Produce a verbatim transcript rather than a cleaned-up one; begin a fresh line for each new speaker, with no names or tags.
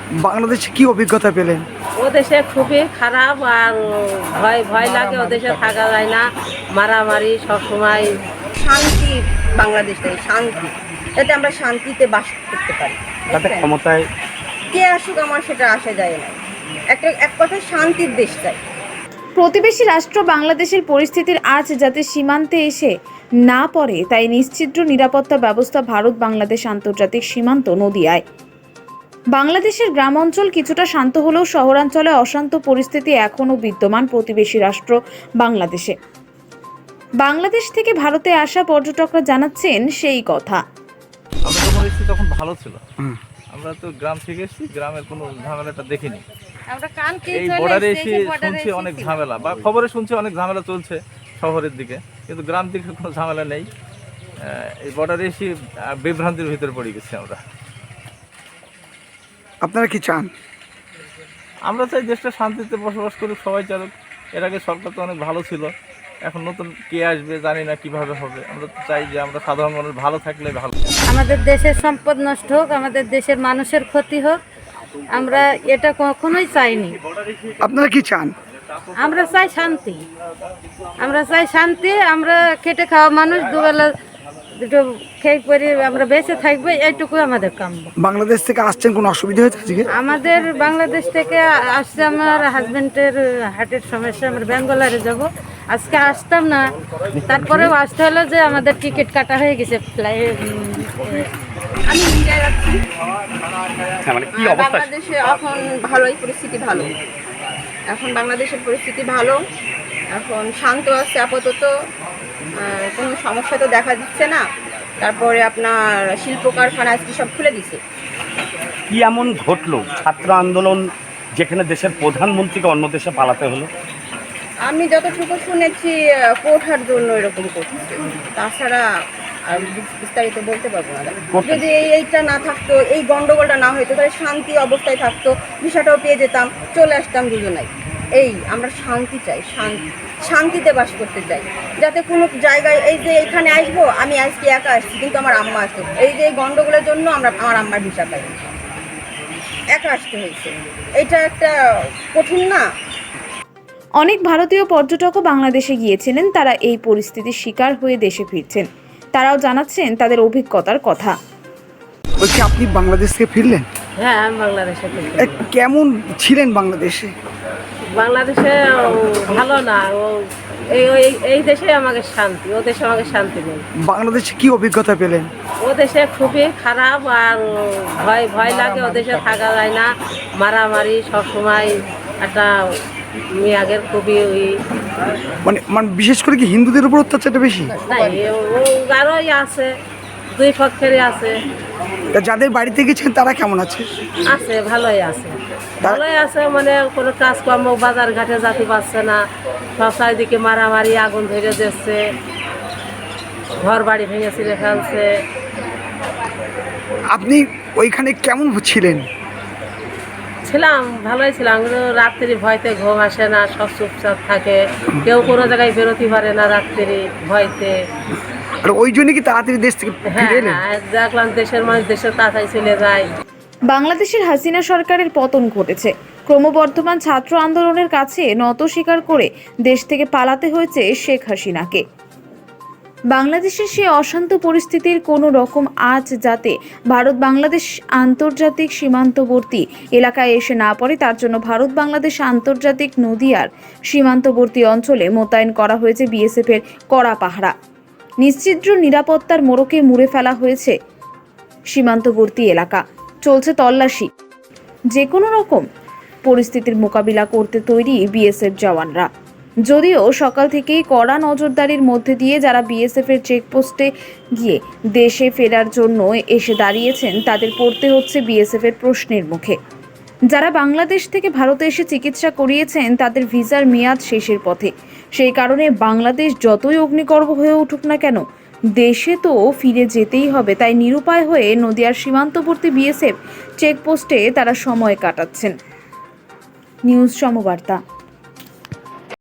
বাংলাদেশে কি অভিজ্ঞতা পেলেন?
ও দেশে খুবই খারাপ আর ভয় ভয় লাগে, ও দেশে থাকা যায় না, মারামারি সবসময়।
শান্তি বাংলাদেশে শান্তি, যাতে আমরা শান্তিতে বাস করতে পারি।
তাতে ক্ষমতায়
কে আসুক আমার সেটা আসা যায় না, একটা এক কথায় শান্তির দেশ চাই।
প্রতিবেশী রাষ্ট্র বাংলাদেশের পরিস্থিতির আঁচ যাতে সীমান্তে এসে না পড়ে তাই নিশ্চিদ্র নিরাপত্তা ব্যবস্থা ভারত বাংলাদেশ আন্তর্জাতিক সীমান্ত নদিয়ায়। বাংলাদেশের গ্রাম অঞ্চল কিছুটা শান্ত হলেও শহরাঞ্চলে অশান্ত পরিস্থিতি এখনও বিদ্যমান প্রতিবেশী রাষ্ট্র বাংলাদেশে। বাংলাদেশ থেকে ভারতে আসা পর্যটকরা জানাচ্ছেন সেই কথা।
আমরা যখন এসেছি তখন ভালো ছিল, আমরা তো গ্রাম থেকে এসেছি, গ্রামের কোনো ঝামেলাটা দেখিনি। এই বর্ডারে এসে শুনছি অনেক ঝামেলা, বা খবরে শুনছি অনেক ঝামেলা চলছে শহরের দিকে, কিন্তু গ্রাম দিকে কোনো ঝামেলা নেই। এই বর্ডারে এসে বিভ্রান্তির ভিতরে পড়ে গেছি আমরা।
আপনারা কি চান?
আমরা চাই দেশটা শান্তিতে বসবাস করুক, সবাই চালুক। এর আগে সরকার তো অনেক ভালো ছিল, এখন নতুন কে আসবে জানি না কিভাবে হবে। আমরা তো চাই যে আমরা সাধারণ মানুষ ভালো থাকলে ভালো।
আমাদের দেশের সম্পদ নষ্ট হোক, আমাদের দেশের মানুষের ক্ষতি হোক, আমরা এটা কখনোই চাইনি।
আপনারা কি চান?
আমরা চাই শান্তি, আমরা চাই শান্তি। আমরা খেটে খাওয়া মানুষ, দুবেলা দুটো খেয়ে পরে আমরা বেঁচে থাকবো, এইটুকু আমাদের কাম্য।
বাংলাদেশ থেকে আসছেন, কোনো অসুবিধা হয়েছে আজকে?
আমাদের বাংলাদেশ থেকে আসছে আমার হাজবেন্ডের হার্টের সমস্যা, আমরা ব্যাঙ্গালোরে যাব। আজকে আসতাম না, তারপরেও আসতে হলো যে আমাদের টিকিট কাটা হয়ে গেছে ফ্লাইট।
আমি ইন্ডিয়ায় যাচ্ছি।
মানে কি অবস্থা?
বাংলাদেশে এখন ভালোই পরিস্থিতি ভালো, এখন বাংলাদেশের পরিস্থিতি ভালো, এখন শান্ত আছে আপাতত, কোনো সমস্যা তো দেখা দিচ্ছে না। তারপরে আপনার শিল্প কারখানা আজকে সব খুলে দিছে।
কি এমন ঘটলো ছাত্র আন্দোলন যেখানে দেশের প্রধানমন্ত্রীকে অন্য দেশে পালাতে হলো?
আমি যতটুকু শুনেছি কোঠার জন্য এরকম করছে, তাছাড়া আর বিস্তারিত বলতে পারবো না। যদি এই এইটা না থাকতো, এই গন্ডগোলটা না হইতো, তাহলে শান্তি অবস্থায় থাকতো, ভিসাটাও পেয়ে যেতাম, চলে আসতাম দুজনাই। এই আমরা শান্তি চাই, শান্তি শান্তিতে বাস করতে চাই, যাতে কোনো জায়গায় এই যে এখানে আসবো, আমি আজকে একা আসছি কিন্তু আমার আম্মা আসতো, এই যে গন্ডগোলের জন্য আমরা আমার আম্মার ভিসা পাই, একা আসতে হয়েছে। এটা একটা কঠিন না?
অনেক ভারতীয় পর্যটকও বাংলাদেশে গিয়েছিলেন, তারা এই পরিস্থিতির শিকার হয়ে দেশে ফিরছেন। তারাও জানাচ্ছেন তাদের অভিজ্ঞতার কথা।
বলছি, আপনি বাংলাদেশ থেকে ফিরলেন?
হ্যাঁ, আমি বাংলাদেশে ফিরছি।
এ, কেমন ছিলেন বাংলাদেশে?
বাংলাদেশে ভালো না, ও এই ওই- এই দেশে আমাকে শান্তি, ও দেশে আমাকে শান্তি নেই।
বাংলাদেশে কি অভিজ্ঞতা পেলেন?
ও দেশে খুবই খারাপ আর ভয় ভয় লাগে, ও দেশে থাকা যায় না, মারামারি সবসময়। একটা মেয়াগের খুবই ওই
মানে মানে বিশেষ করে কি হিন্দুদের উপর অত্যাচারটা বেশি?
নাই, ও আরোই আছে, দুই পক্ষেরই আছে।
তা যাদের বাড়িতে গেছেন তারা কেমন আছে?
আছে, ভালোই আছে, ভালোই আছে। মানে কোনো কাজকর্ম বাজার ঘাটে যেতে পারছে না, সব চারিদিকে মারামারি, আগুন ধরে দিচ্ছে, ঘর বাড়ি ভেঙে ছিঁড়ে ফেলছে।
আপনি ওইখানে কেমন ছিলেন?
ছিলাম, ভালোই ছিলাম, কিন্তু রাত্রি ভয়তে ঘুম আসে না, সব চুপচাপ থাকে, কেউ কোনো জায়গায় বেরোতে পারে না রাত্রি ভয়তে।
আর ওই জন্য কি তাড়াতাড়ি দেশ থেকে
হ্যাঁ
ফিরে এলেন?
হ্যাঁ, দেখলাম দেশের মানুষ দেশের তাড়াতাড়ি চলে যায়।
বাংলাদেশের হাসিনা সরকারের পতন ঘটেছে, ক্রমবর্ধমান ছাত্র আন্দোলনের কাছে নত স্বীকার করে দেশ থেকে পালাতে হয়েছে শেখ হাসিনাকে। বাংলাদেশের সেই অশান্ত পরিস্থিতির কোনো রকম আঁচ যাতে ভারত বাংলাদেশ আন্তর্জাতিক সীমান্তবর্তী এলাকায় এসে না পড়ে, তার জন্য ভারত বাংলাদেশ আন্তর্জাতিক নদিয়ার সীমান্তবর্তী অঞ্চলে মোতায়েন করা হয়েছে বিএসএফ এর কড়া পাহারা। নিশ্চিদ্র নিরাপত্তার মোড়কে মুড়ে ফেলা হয়েছে সীমান্তবর্তী এলাকা, চলছে তল্লাশি। যে কোনো রকম পরিস্থিতির মোকাবিলা করতে তৈরি বিএসএফ জওয়ানরা। যদিও সকাল থেকেই কড়া নজরদারির মধ্যে দিয়ে যারা বিএসএফ এর চেকপোস্টে গিয়ে দেশে ফেরার জন্য এসে দাঁড়িয়েছেন, তাদের পড়তে হচ্ছে বিএসএফ এর প্রশ্নের মুখে। যারা বাংলাদেশ থেকে ভারতে এসে চিকিৎসা করিয়েছেন, তাদের ভিসার মেয়াদ শেষের পথে। সেই কারণে বাংলাদেশ যতই অগ্নিগর্ভ হয়ে উঠুক না কেন, দেশে তো ফিরে যেতেই হবে। তাই নিরুপায় হয়ে নদিয়ার সীমান্তবর্তী বিএসএফ চেকপোস্টে তারা সময় কাটাচ্ছেন। নিউজ সমবার্তা।